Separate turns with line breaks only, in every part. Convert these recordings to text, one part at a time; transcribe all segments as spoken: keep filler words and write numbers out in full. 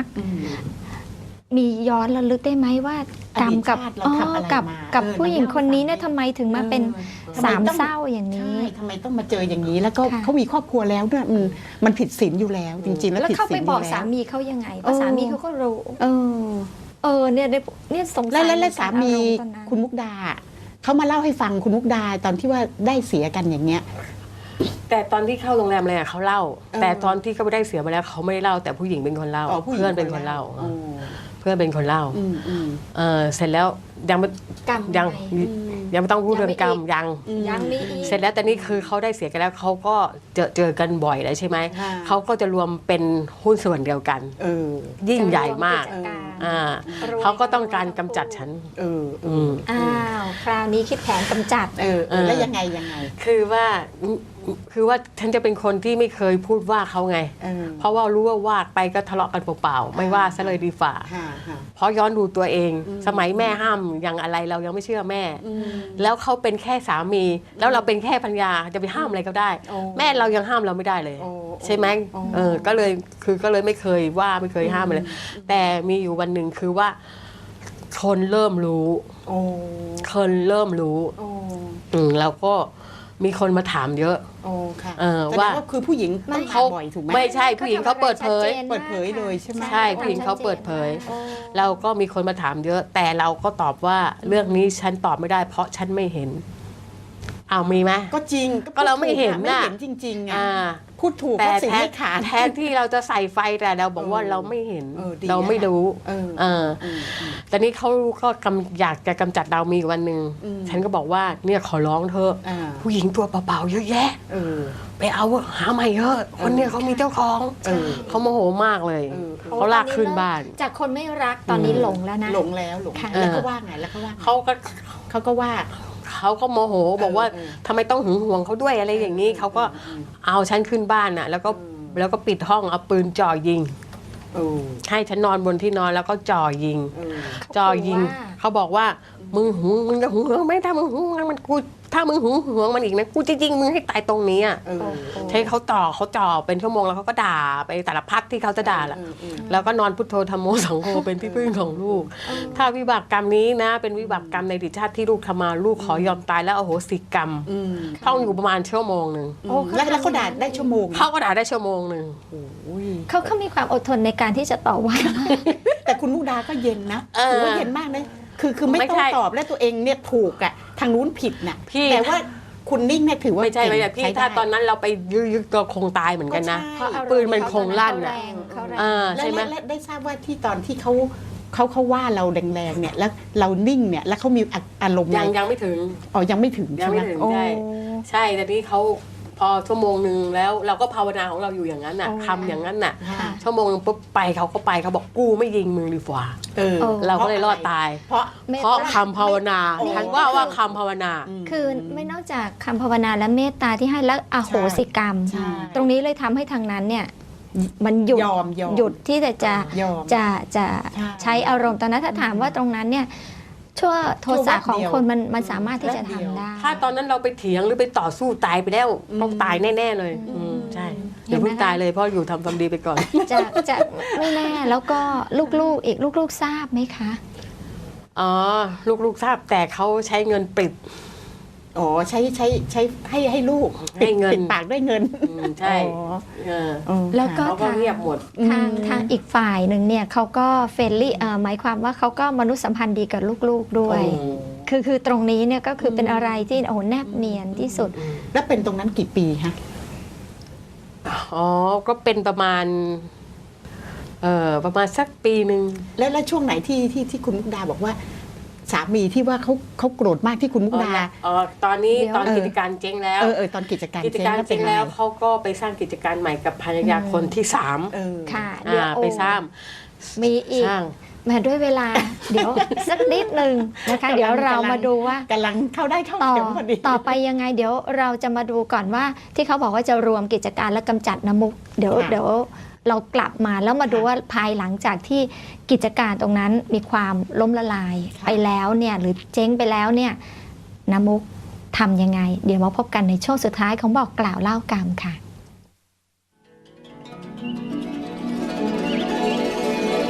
กมีย้อนระลึกได้ไหมว่ากรรมกับกับกับผู้หญิงคนนี้เนี่ยทำไมถึงมาเป็นสามเศร้าอย่างนี้
ทำไมต้องมาเจออย่างนี้แล้วก็เขามีครอบครัวแล้วด้วยมันมันผิดศีลอยู่แล้วจริงๆแล้ว
แล้วเขาไปบอกสามีเขายังไงเพราะสามีเขาก็รู้เออเออเนี่ยเนี่ยสงสัย
แล้วสามีคุณมุกดาเขามาเล่าให้ฟังคุณมุกดาตอนที่ว่าได้เสียกันอย่างเงี้ย
แต่ตอนที่เข้าโรงแรมอะไรเขาเล่าแต่ตอนที่เขาได้เสียมาแล้วเขาไม่ได้เล่าแต่ผู้หญิงเป็นคนเล่าเพื่อนเป็นคนเล่าเพื่อนเป็นคนเล่าเออเสร็จแล้วยังไม่ยังยังไม่ต้องพูดเรื่องกรรมยัง
ยังมี
เสร็จแล้วแต่นี่คือเขาได้เสียกันแล้วเขาก็เจอเจอกันบ่อยแล้วใช่ไหมเขาก็จะรวมเป็นหุ้นส่วนเดียวกันยิ่งใหญ่มากอ่าเขาก็ต้องการกำจัดฉัน
เออ
อ้าวคราวนี้คิดแผนกำจัด
เออแล้วยังไงยังไง
คือว่าคือว่าฉันจะเป็นคนที่ไม่เคยพูดว่าเขาไงเพราะว่ารู้ว่าว่าไปก็ทะเลาะกันเปล่าๆไม่ว่าซะเลยดีฝ่าเพราะย้อนดูตัวเองสมัยแม่ห้ามอย่างอะไรเรายังไม่เชื่อแม่แล้วเขาเป็นแค่สามีแล้วเราเป็นแค่ภรรยาจะไปห้ามอะไรก็ได้แม่เรายังห้ามเราไม่ได้เลยใช่ไหมเออก็เลยคือก็เลยไม่เคยว่าไม่เคยห้ามเลยแต่มีอยู่วันหนึ่งคือว่าคนเริ่มรู้คนเริ่มรู้อืมแล้วก็มีคนมาถามเยอะ
โอ้ค่ะ
ว่า
คือผู้หญิงต้องถามบ่อยถูกไหม
ไม่ใช่ผู้หญิงเขาเปิดเผย
เปิดเผยเลยใช่ไหม
ใช่ผู้หญิงเขาเปิดเผยเราก็มีคนมาถามเยอะแต่เราก็ตอบว่าเรื่องนี้ฉันตอบไม่ได้เพราะฉันไม่เห็นเอามีไหม
ก็จริง
ก็เราไม่เห็น
น่ะไม่เห็นจริงๆอ่ะพูดถูกแต่แทน
แทนที่เราจะใส่ไฟแต่เราบอกว่าเราไม่เห็นเราไม่รู้เออแต่นี้เขาก็อยากจะกำจัดเรามีวันหนึ่งฉันก็บอกว่าเนี่ยขอร้องเธอผู้หญิงตัวเปล่าๆเยอะแยะไปเอาหาใหม่เยอะคนเนี่ยเขามีเจ้าของเขาโมโหมากเลยเขาลากขึ้นบ้าน
จากคนไม่รักตอนนี้หลงแล้วนะ
หลงแล้วหลงแล้วก็ว่าไงแล้วเขาว่า
เขาก็
เขาก็ว่า
เขาก็โมโหบอกว่าทำไมต้องหึงหวงเขาด้วยอะไรอย่างนี้เขาก็เอาฉันขึ้นบ้านน่ะแล้วก็แล้วก็ปิดห้องเอาปืนจ่อยิงให้ฉันนอนบนที่นอนแล้วก็จ่อยิงจ่อยิงเขาบอกว่ามึงหึงมึงจะหึงหวงไหมถ้ามึงหึงมันกูถ้ามึงหึงหวงมันอีกนะกูจะยิงมึงให้ตายตรงนี้อ่ะใช้เขาต่อเขาจ่อเป็นชั่วโมงแล้วเขาก็ด่าไปแต่ละพัดที่เขาจะด่าแหละแล้วก็นอนพุทโธธรรมโมสังโฆเป็นที่พึ่งของลูกถ้าวิบากกรรมนี้นะเป็นวิบากกรรมในอดีตชาติที่ลูกทำมาลูกขอยอมตายแล้วอโหสิกรรมท่องอยู่ประมาณชั่วโมงหนึ่ง
แล้วเขาด่าได้ชั่วโมง
เขาก็ด่าได้ชั่วโมงหนึ่ง
เขาเขามีความอดทนในการที่จะต่อว่า
แต่คุณมุกดาก็เย็นนะถือว่าเย็นมากเลยคือคือไม่ต้องตอบและตัวเองเนี่ยถูกอ่ะทางนู้นผิดน่ะแต่ว่าคุณนิ่งเนี่ยถือว่า
ไม่ใช่ไม่ใช่พี่ถ้าตอนนั้นเราไปยื้อก็คงตายเหมือนกันนะปืนมันคงลั่นอ่ะ
ใช่ไหมและได้ทราบว่าที่ตอนที่เขาเขาเขาว่าเราแรงๆเนี่ยแล้วเรานิ่งเนี่ยแล้วเขามีอารมณ์
ยังยังไม่ถึง
อ๋อยังไม่ถึง
ยังไม่ถึงใช่ใช่แต่นี่เขาพอชั่วโมงหนึ่งแล้วเราก็ภาวนาของเราอยู่อย่างนั้นน่ะทำอย่างนั้นน่ะชั่วโมงนึงปุ๊บไปเขาก็ไปเขาบอกกูไม่ยิงมึงดีกว่าเราก็เลยรอดตายเพราะเพราะคำภาวนาฉันว่าว่าคำภาวนา
คือไม่นอกจากคำภาวนาและเมตตาที่ให้แล้วอโหสิกรรมตรงนี้เลยทำให้ทางนั้นเนี่ยมันหยุดหยุดที่จะจะจะจะใช้อารมณ์ตอนนั้นถ้าถามว่าตรงนั้นเนี่ยชั่วโทสะของคนมันมันสามารถที่จะทำได้
ถ้าตอนนั้นเราไปเถียงหรือไปต่อสู้ตายไปแล้วต้องตายแน่ๆเลยใช่อย่าเพิ่งตายเลยเพราะอยู่ทำความดีไปก่อน
จะจะไม่แน่แล้วก็ลูกๆอีกลูกๆทราบไหมคะ
อ๋อลูกๆทราบแต่เขาใช้เงินปิด
อ๋อใช้ใช้ใช้ให้ให้ลูก
ให้เงิน
ปิดปากด้วยเงิน
ใช่
แล้วก็
ทางเงียบหมด
ทางทางอีกฝ่ายหนึ่งเนี่ยเขาก็เฟรนลี่หมายความว่าเขาก็มนุษยสัมพันธ์ดีกับลูกๆด้วยคือคือตรงนี้เนี่ยก็คือเป็นอะไรที่โอ้แนบเนียนที่สุด
แล้วเป็นตรงนั้นกี่ปีฮะ
อ๋อก็เป็นประมาณเอ่อประมาณสักปีหนึ่ง
แล้วแล้วช่วงไหนที่ที่ที่คุณมุกดาบอกว่าสามีที่ว่าเขาเขาโกรธมากที่คุณมุกดา
อ๋อตอนนี้ตอนกิจการเจ๊งแล้ว
เออเออตอนกิจการ
กิจการเจ๊งแล้วเขาก็ไปสร้างกิจการใหม่กับภรรยาคนที่สาม
ค่ะ
เดี๋ยวไปสร้าง
มีอีกมาด้วยเวลาเดี๋ยวสักนิดนึงนะคะเดี๋ยวเรามาดูว่าก
ำลังเข้าได้เข้าเข็มพอดี
ต่อไปยังไงเดี๋ยวเราจะมาดูก่อนว่าที่เขาบอกว่าจะรวมกิจการและกำจัดน้ำมุกเดี๋ยวเดี๋ยวเรากลับมาแล้วมาดูว่าภายหลังจากที่กิจการตรงนั้นมีความล้มละลายไปแล้วเนี่ยหรือเจ๊งไปแล้วเนี่ยน้ำมุกทำยังไงเดี๋ยวมาพบกันในช่วงสุดท้ายของบอกกล่าวเล่ากรรมค่ะ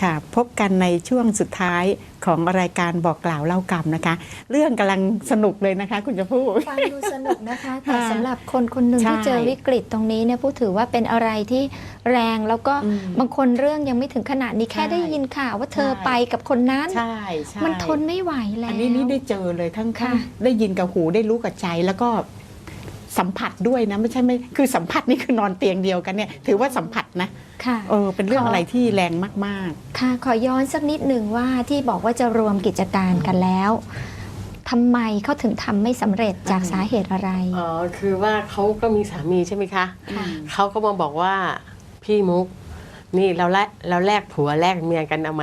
ค่ะ พบกันในช่วงสุดท้ายของรายการบอกกล่าวเล่ากรรมนะคะ เรื่องกำลังสนุกเลยนะคะ คุณจะพูด
ฟังดูสนุกนะคะ แต่
ค่ะ
สำหรับคนคนหนึ่ง
ใช่
ที่เจอวิกฤตตรงนี้เนี่ยผู้ถือว่าเป็นอะไรที่แรงแล้วก็
อืม
บางคนเรื่องยังไม่ถึงขนาดนี้แค่
ใช่
ได้ยินข่าวว่าเธอ
ใช่
ไปกับคนนั้น
ใช่ใช่
มันทนไม่ไหวแล้ว
อันนี้นี่ได้เจอเลยทั้ง
ค่ะ
ทั้งได้ยินกับหูได้รู้กับใจแล้วก็สัมผัสด้วยนะไม่ใช่ไม่คือสัมผัสนี่คือนอนเตียงเดียวกันเนี่ยถือว่าสัมผัสนะ
ค่ะ
เออเป็นเรื่อง
ขออ
อะไรที่แรงมาก
ค่ะขอย้อนสักนิดหนึ่งว่าที่บอกว่าจะรวมกิจการกันแล้วทำไมเขาถึงทำไม่สำเร็จจาก
อืม
สาเหตุอะไร
อ๋อคือว่าเขาก็มีสามีใช่ไหมคะ
ค่ะ
เขาก็มาบอกว่าพี่มุก นี่เราแลกเราแลกผัวแลกเมียกันเอาไหม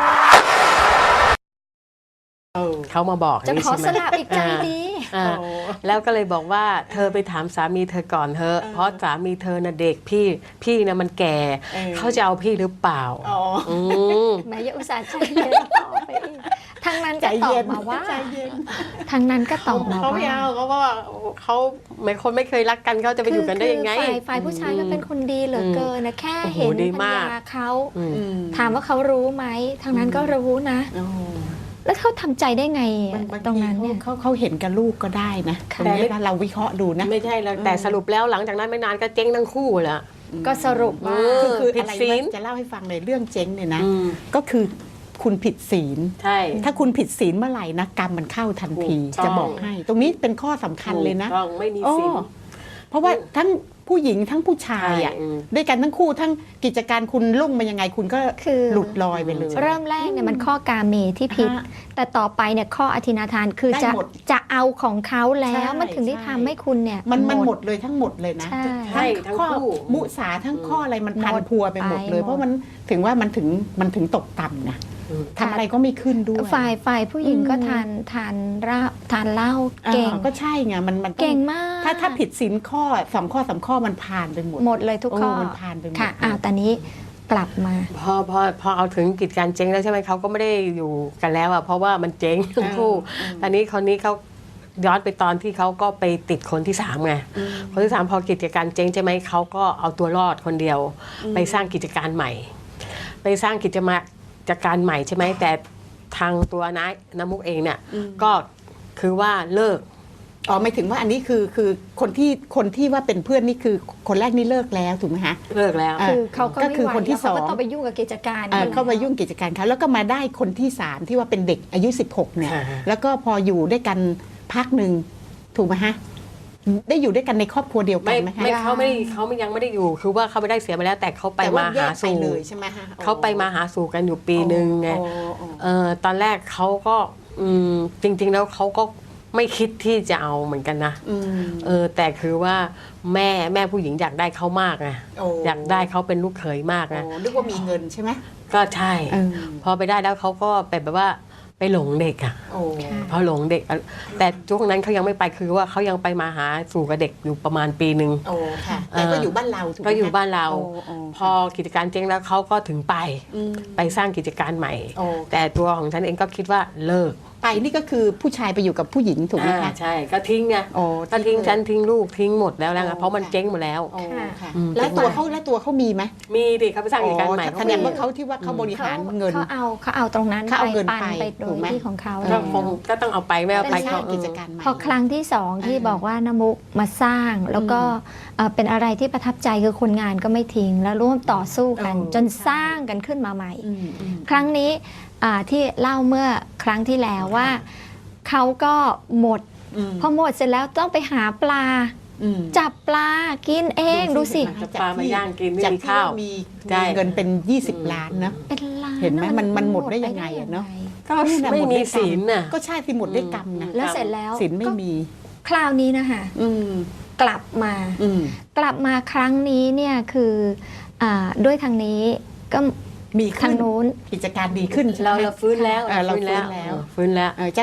ๆเออ
เขามาบอก
จะ
ย่าง
ขอ
นี้ใช่ไหม
สละอีกใจดี
อ่า
โอ้
แล้วก็เลยบอกว่าเธอไปถามสามีเธอก่อนเถอะ
เออ
เพราะสามีเธอน่ะเด็กพี่พี่น่ะมันแก่
เออ
เขาจะเอาพี่หรือเปล่า
อ๋อ
อืม
แม้ยาอุตส่าห์ใจเย็นต่อไปอีกทางนั้น
ใจ
ก็ตอ
เย็
บ
น
มาว่า
ใจเย็น
ทางนั้นก็ตอบมา
เขาไม่
ว่า
เอาเขาว่าเขาไม่คนไม่เคยรักกันเขาจะไปอยู่กันได้ยังไง
คือฝ่ายฝ่ายผู้ชายก็เป็นคนดีเหลือเกินนะแค่
โอ้โห
เห็น
ดี
ภรร
มาก
ยาเขา
อืม
อืม
ถามว่าเขารู้ไหมทางนั้นก็รู้นะ
โอ้
แล้วเขาทำใจได้ไง
บา
อะ
งบาง
ตรง
ที
นั้นเนี่ย
เขาเขาเห็นกับลูกก็ได้นะ
ค่ะ
ตรงนี้นะเราวิเคราะห์ดูนะ
ไม่ใช่แล้วแต่สรุปแล้วหลังจากนั้นไม่นานก็เจ๊งทั้งคู่แหละ
ก็สรุปว่า
เอ
คือคือ
ผิด
อะไร
ศีล
นะจะเล่าให้ฟังเลยเรื่องเจ๊งเนี่ยนะ
อืม
ก็คือคุณผิดศีล
ใช่
ถ้าคุณผิดศีลเมื่อไหร่นะกรรมมันเข้าทันที
ถูกต้อง
จะบอกให้ ตรงนี้เป็นข้อสำคัญเลยนะ
ถูกต้องไม่มี
โอ้
สิน
เพราะว่าทั้งผู้หญิงทั้งผู้ชายอ่ะ
ใช่อืม
ด้วยกันทั้งคู่ทั้งกิจการคุณลุ่งมายังไงคุณก็
คือ
หลุดลอยไปเลย
เริ่มแรกเนี่ยมันข้อกาเมที่ผิด
ฮะ
แต่ต่อไปเนี่ยข้ออธินาทานคือ
ได้
จะ
หมด
จะเอาของเขาแล้ว
ใช่
มันถึงได้
ใช่
ทำให้คุณเนี่ย
มันมันหมดเลยทั้งหมดเลยนะ
ใช่
ใช่ทั้ง
ข้อ
คู่
มุสาทั้งข้ออะไรมันพัน
หมด
พัวไปหมดเลย
ไปหมด
เพราะมันถึงว่ามันถึงมันถึงตกต่ำนะ
อืม
ทำอะไรก็ไม่ขึ้นด้วย
ฝ่ายฝ่ายผู้หญิงก็
อืม
ทานทานเหล้าทานเหล้า
อ่า
เก่ง
ก็ใช่ไงมันมันต้อง
เก่งมาก
ถ้าถ้าผิดศีลข้อสองข้อสามข้อมันผ่านไปหมด
หมดเลยทุกข้อ
โอ้มันผ่านไปหมด
ค่ะอ้าวแต่นี้กลับมา
พอพอพอเอาถึงกิจการเจ๊งแล้วใช่ไหมเขาก็ไม่ได้อยู่กันแล้วอ่ะเพราะว่ามันเจ๊งทั้งคู่
อืม
ตอนนี้คนนี้เขาย้อนไปตอนที่เขาก็ไปติดคนที่สามไง
อืม
คนที่สามพอกิจการเจ๊งใช่ไหมเขาก็เอาตัวรอดคนเดียว
อืม
ไปสร้างกิจการใหม่ ไปสร้างกิจมากิจการใหม่ใช่ไหมแต่ทางตัวน้าน้ำมุกเองเนี่ย
อืม
ก็คือว่าเลิก
อ๋อหมายถึงว่าอันนี้คือคือคนที่คนที่ว่าเป็นเพื่อนนี่คือคนแรกนี่เลิกแล้วถูกไหมฮะ
เลิกแล้ว
อ่ะ
คือเขาก็
ก็
ไม่
คือ
ไหว
คนที่
แล้วเขาก็
สอง
ต้องไปยุ่งกับกิจการ
อ่า
อยู่
เข้ามายุ่งกิจการเขาแล้วก็มาได้คนที่สามที่ว่าเป็นเด็กอายุสิบหกเนี่ย
อ่า
แล้วก็พออยู่ด้วยกันพักหนึ่งถูกไหมฮะได้อยู่ด้วยกันในครอบครัวเดียวกั
ไม่
นไหมฮะ
ไม่เขาไม่ได้เขาไม่ยังไม่ได้อยู่ คือว่าเขาไม่ได้เสียไปแล้ว แต่เขาไป
แต่ว่
มา
แย
หาก
ไป
สู่
เลยใช่ไหมฮะ
เขาไปมาหาสู่กันอยู่ปีหนึ่งไง
อ๋ออ๋อ
เออตอนแรกเขาก็อืมจริง ๆ แล้วเขาก็ไม่คิดที่จะเอาเหมือนกันนะ
อืม
เออแต่คือว่าแม่แม่ผู้หญิงอยากได้เขามากไง
โอ้
อยากได้เขาเป็นลูกเขยมาก
โอ้
ไง
นึกว่ามีเงินใช่ไหม
ก็ใช่
เออ
พอไปได้แล้วเขาก็ไปแบบว่าไปหลงเด็กอ่ะ
โอ้
พอหลงเด็กอะแต่ช่วงนั้นเขายังไม่ไปคือว่าเขายังไปมาหาสู่กับเด็กอยู่ประมาณปีหนึ่ง
โอ้ค่ะแต่ก็อยู่บ้านเราถูกไหม
ก็อยู่บ้านเรา
โอ้โอ้
พอกิจการเจ๊งแล้วเขาก็ถึงไป
อืม
ไปสร้างกิจการใหม่
โอ้
แต่ตัวของฉันเองก็คิดว่าเลิก
ไปนี่ก็คือผู้ชายไปอยู่กับผู้หญิงถูกไหม
อ่า
คะ
ใช่ก็ทิ้งไง
โอ้
ก็ทิ้งฉันทิ้งลูกทิ้งหมดแล้วนะ
โอ้
เพราะมัน
ค่ะ
เจ๊งหมดแล้ว
โอ้ค่ะ
อืม
แล้วตัวเขาแล้วตัวเขามีไหม
มีดิเขาไปสร้างกิจการใหม่
แสดงว่าเขาที่ว่าเขาบริหารเงิน
เขาเอาเขาเอาตรงนั้น
เขาเอาเงิน
ปัน
ไป
ไปโด
ถู
ย
กไหม
ที่ของเขา
ก็คงก็ต้องเอาไปไม่เอา
ไป
ไป
สร้าง
เขา
กิจการใหม่
พอครั้งที่สองที่
อ่า
บอกว่าน้ำมุกมาสร้าง แล้วก็เอ่อเป็นอะไรที่ประทับใจคือคนงานก็ไม่ทิ้ง แล้วร่วมต่อสู้กัน
เออ
จนสร้างกันขึ้นมาใหม่
อืมอืม
ครั้งนี้อ่าที่เล่าเมื่อครั้งที่แล้วว่าเขาก็หมด
อืม
พอหมดเสร็จแล้วต้องไปหาปลา
อืม
จับปลากินเองดูสิ
จะปลามาย่างกินไม่
จาก
มี
ที่
ข้าว
มี
ใช่
มีเงินเป็น ยี่สิบ ล้านนะ
เป็นล้าน
เห็นไหมมันมันหมดได้
ป
ยังไงอะเนอะ
ก็
นี่แหละ
ไม่
หด
มี
ด้วยกรร
ศีลน่ะ
ก็ใช่สิหมดด้วยกรรมนะ
แล้วเสร็จแล้ว
ศีลไม่
ก็
มี
คราวนี้นะคะ
อืม
กลับมา
อืม
กลับมาครั้งนี้เนี่ยคืออาด้วยทางนี้ก็
มี
ทา
ขึ้
ง
น
นู้น
กิจการดีขึ้นใช่ไหม
เราเราฟื้นแล้ว
เออเรา
ฟื้นแล้ว
ฟื้นแล้ว
เออฟื้นแล้ว
เออ